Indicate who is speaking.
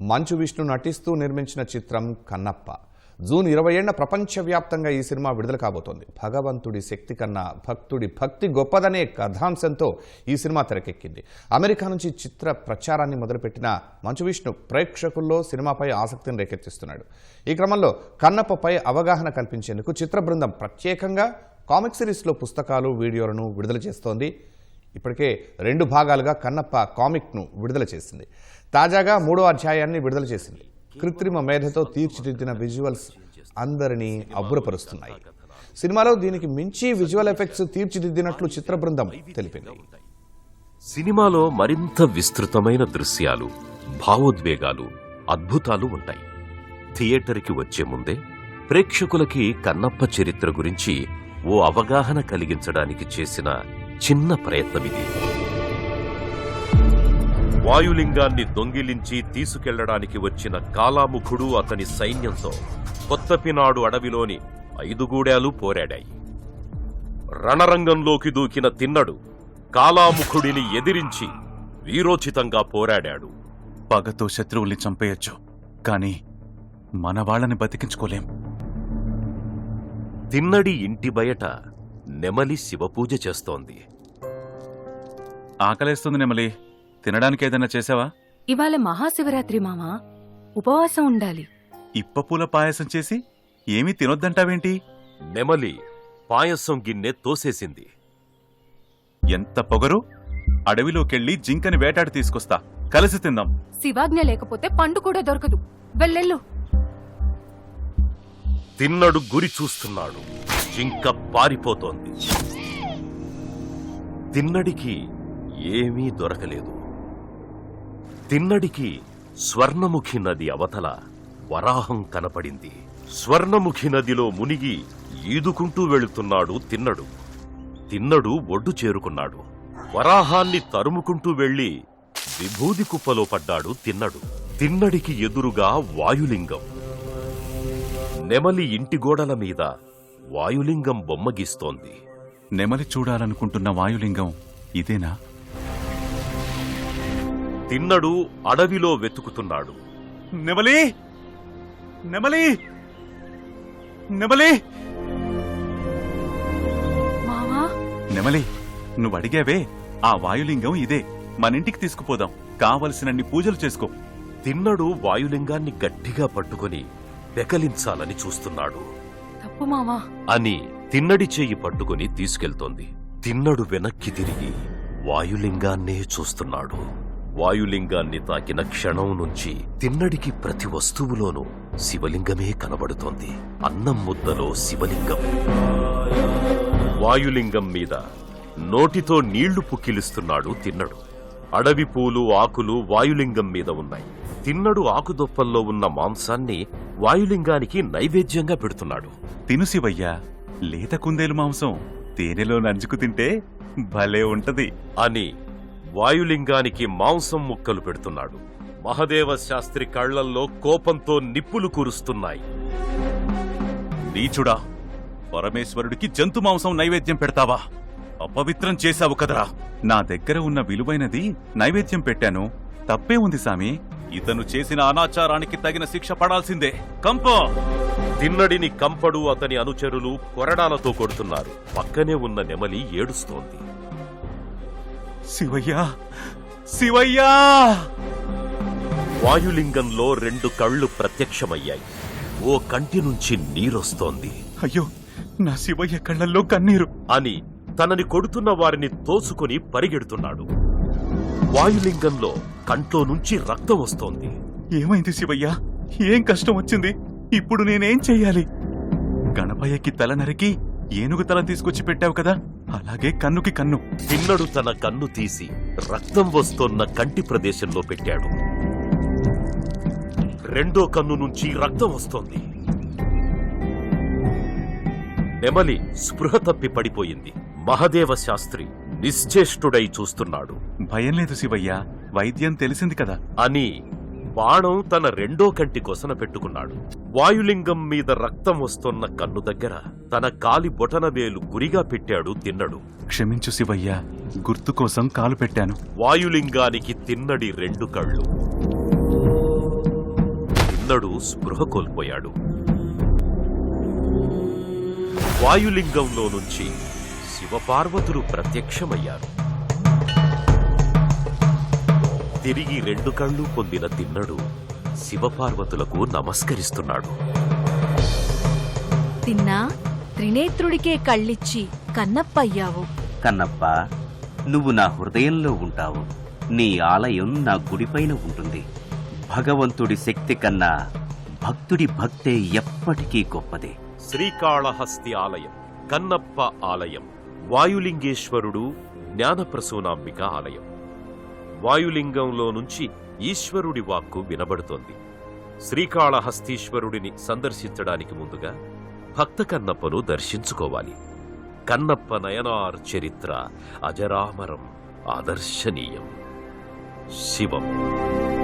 Speaker 1: మంచు విష్ణు నటిస్తూ నిర్మించిన చిత్రం కన్నప్ప. జూన్ 20న ప్రపంచవ్యాప్తంగా ఈ సినిమా విడుదల కాబోతోంది. భగవంతుడి శక్తి కన్నా భక్తుడి భక్తి గొప్పదనే కథాంశంతో ఈ సినిమా తెరకెక్కింది. అమెరికా నుంచి చిత్ర ప్రచారాన్ని మొదలుపెట్టిన మంచు విష్ణు ప్రేక్షకుల్లో సినిమాపై ఆసక్తిని రేకెత్తిస్తున్నాడు. ఈ క్రమంలో కన్నప్పపై అవగాహన కల్పించేందుకు చిత్ర బృందం ప్రత్యేకంగా కామిక్ సిరీస్లో పుస్తకాలు, వీడియోలను విడుదల చేస్తోంది. ఇప్పటికే 2 భాగాలుగా కన్నప్ప కామిక్ను విడుదల చేసింది. తాజాగా 3వ అధ్యాయాన్ని విడుదల చేసింది. కృత్రిమ మేధతో తీర్చిదిద్దిన విజువల్స్ అందరినీ అబ్బురపరుస్తున్నాయి. సినిమాలో దీనికి మించి విజువల్ ఎఫెక్ట్స్ తీర్చిదిద్దినట్లు చిత్ర బృందం తెలిపింది.
Speaker 2: సినిమాలో మరింత విస్తృతమైన దృశ్యాలు, భావోద్వేగాలు, అద్భుతాలు ఉంటాయి. థియేటర్కి వచ్చే ముందే ప్రేక్షకులకి కన్నప్ప చరిత్ర గురించి ఓ అవగాహన కలిగించడానికి చేసిన చిన్న ప్రయత్నమిది. వాయులింగాన్ని దొంగిలించి తీసుకెళ్లడానికి వచ్చిన కాలాముఖుడు అతని సైన్యంతో కొత్తపినాడు అడవిలోని 5 గూడాలు పోరాడాయి. రణరంగంలోకి దూకిన తిన్నడు కాలాముఖుడిని ఎదిరించి వీరోచితంగా పోరాడాడు.
Speaker 3: పగతో శత్రువుల్ని చంపేయొచ్చు, కానీ మన వాళ్ళని బతికించుకోలేం.
Speaker 2: తిన్నడి ఇంటి బయట నెమలి శివపూజ చేస్తోంది.
Speaker 3: ఆకలేస్తుంది నెమలి, తినడానికి ఏదైనా చేసావా?
Speaker 4: ఇవాళ మహాశివరాత్రి మామా, ఉపవాసం ఉండాలి.
Speaker 3: ఇప్పపూల పాయసం చేసి ఏమీ తినొద్దంటావేంటి?
Speaker 2: నెమలి పాయసం గిన్నె తోసేసింది.
Speaker 3: ఎంత పొగరు! అడవిలోకెళ్ళి జింకని వేటాడి తీసుకొస్తా, కలిసి తిందాం.
Speaker 4: శివాజ్ఞ లేకపోతే పండు కూడా దొరకదు. వెళ్ళెళ్ళు.
Speaker 2: తిన్నడు గురి చూస్తున్నాడు. జింక పారిపోతోంది. తిన్నడికి ఏమీ దొరకలేదు. తిన్నడికి స్వర్ణముఖి నది అవతల వరాహం కనపడింది. స్వర్ణముఖి నదిలో మునిగి ఈదుకుంటూ వెళుతున్నాడు తిన్నడు. తిన్నడు ఒడ్డు చేరుకున్నాడు. వరాహాన్ని తరుముకుంటూ వెళ్లి విభూది కుప్పలో పడ్డాడు తిన్నడు. తిన్నడికి ఎదురుగా వాయులింగం. నెమలి ఇంటి గోడల మీద వాయులింగం బొమ్మ గీస్తోంది.
Speaker 3: నెమలి చూడాలనుకుంటున్న వాయులింగం ఇదేనా?
Speaker 2: తిన్నడు అడవిలో వెతుకుతున్నాడు.
Speaker 3: నెమలి! నెమలి! నెమలి!
Speaker 4: మామా,
Speaker 3: నెమలి, నువ్వు అడిగావే, ఆ వాయులింగం ఇదే. మనింటికి తీసుకుపోదాం. కావలసినన్ని పూజలు చేసుకో.
Speaker 2: తిన్నడు వాయులింగాన్ని గట్టిగా పట్టుకుని పెకలించాలని చూస్తున్నాడు.
Speaker 4: తప్పు మామా
Speaker 2: అని తిన్నడి చెయ్యి పట్టుకుని తీసుకెళ్తోంది. తిన్నడు వెనక్కి తిరిగి వాయులింగాన్నే చూస్తున్నాడు. వాయులింగాన్ని తాకిన క్షణం నుంచి తిన్నడికి ప్రతి వస్తువులోనూ శివలింగమే కనబడుతోంది. అన్నం ముద్దలో శివలింగం. వాయులింగం మీద నోటితో నీళ్లు పుక్కిలిస్తున్నాడు తిన్నడు. అడవి పూలు, ఆకులు వాయులింగం మీద ఉన్నాయి. తిన్నడు ఆకుదొప్పల్లో ఉన్న మాంసాన్ని వాయులింగానికి నైవేద్యంగా పెడుతున్నాడు.
Speaker 3: తిను శివయ్యా, లేత కుందేలు మాంసం తేనెలో నంచుకు తింటే భలే ఉంటది
Speaker 2: అని వాయులింగానికి మాంసం ముక్కలు పెడుతున్నాడు. మహదేవ శాస్త్రి కళ్లల్లో కోపంతో నిప్పులు కురుస్తున్నాయి.
Speaker 3: నీచుడా, పరమేశ్వరుడికి జంతు మాంసం నైవేద్యం పెడతావా? అపవిత్రం చేశావు కదరా. నా దగ్గర ఉన్న విలువైనది నైవేద్యం పెట్టాను. తప్పే ఉంది సామి. ఇతను చేసిన అనాచారానికి తగిన శిక్ష పడాల్సిందే. కంప!
Speaker 2: తిన్నడిని కంపడు అతని అనుచరులు కొరడాలతో కొడుతున్నారు. పక్కనే ఉన్న నెమలి ఏడుస్తోంది.
Speaker 3: శివయ్యా, శివయ్యా!
Speaker 2: వాయులింగంలో 2 కళ్ళు ప్రత్యక్షమయ్యాయి. ఓ కంటి నుంచి నీరొస్తోంది.
Speaker 3: అయ్యో, నా శివయ్య కళ్ళల్లో కన్నీరు
Speaker 2: అని తనని కొడుతున్న వారిని తోసుకుని పరిగెడుతున్నాడు. వాయులింగంలో కంట్లో నుంచి రక్తం వస్తోంది.
Speaker 3: ఏమైంది శివయ్యా? ఏం కష్టం వచ్చింది? ఇప్పుడు నేనేం చెయ్యాలి? గణపయ్యకి తల నరికి ఏనుగు తల తీసుకొచ్చి పెట్టావు కదా, అలాగే కన్నుకి కన్ను.
Speaker 2: తిన్నడు తన కన్ను తీసి రక్తం వస్తోన్న కంటి ప్రదేశంలో పెట్టాడు. 2వ కన్ను నుంచి రక్తం వస్తోంది. నెమలి స్పృహ తప్పి పడిపోయింది. మహదేవ శాస్త్రి నిశ్చేష్టుడై చూస్తున్నాడు.
Speaker 3: భయం లేదు శివయ్యా, వైద్యం తెలిసింది కదా
Speaker 2: అని బాణం తన 2వ కంటి కొసన పెట్టుకున్నాడు. వాయులింగం మీద రక్తం వస్తోన్న కన్ను దగ్గర తన కాలి బొటనవేలు గురిగా పెట్టాడు తిన్నడు.
Speaker 3: క్షమించు శివయ్యా, గుర్తు కోసం కాలు పెట్టాను.
Speaker 2: వాయులింగానికి తిన్నడి 2 కళ్ళు. తిన్నడు స్పృహ కోల్పోయాడు. వాయులింగంలో నుంచి శివపార్వతులు ప్రత్యక్షమయ్యారు. తిరిగి 2 కళ్ళు పొందిన తిన్నడు శివపార్వతులకు నమస్కరిస్తున్నాడు.
Speaker 5: తిన్నా త్రినేత్రుడికే కళ్ళిచ్చి కన్నప్పయ్యావు.
Speaker 6: కన్నప్ప, నువ్వు నా హృదయంలో ఉంటావు. నీ ఆలయం నా గుడిపైన ఉంటుంది. భగవంతుడి శక్తి కన్నా భక్తుడి భక్తే ఎప్పటికీ గొప్పదే.
Speaker 2: శ్రీకాళహస్తి ఆలయం, కన్నప్ప ఆలయం, వాయులింగేశ్వరుడు, జ్ఞానప్రసూనాంబిక ఆలయం. వాయులింగంలో నుంచి ఈశ్వరుడి వాక్కు వినబడుతోంది. శ్రీకాళహస్తీశ్వరుడిని సందర్శించడానికి ముందుగా భక్త కన్నప్పను దర్శించుకోవాలి. కన్నప్ప నయనార్ చరిత్ర అజరామరం, ఆదర్శనీయం. శివం.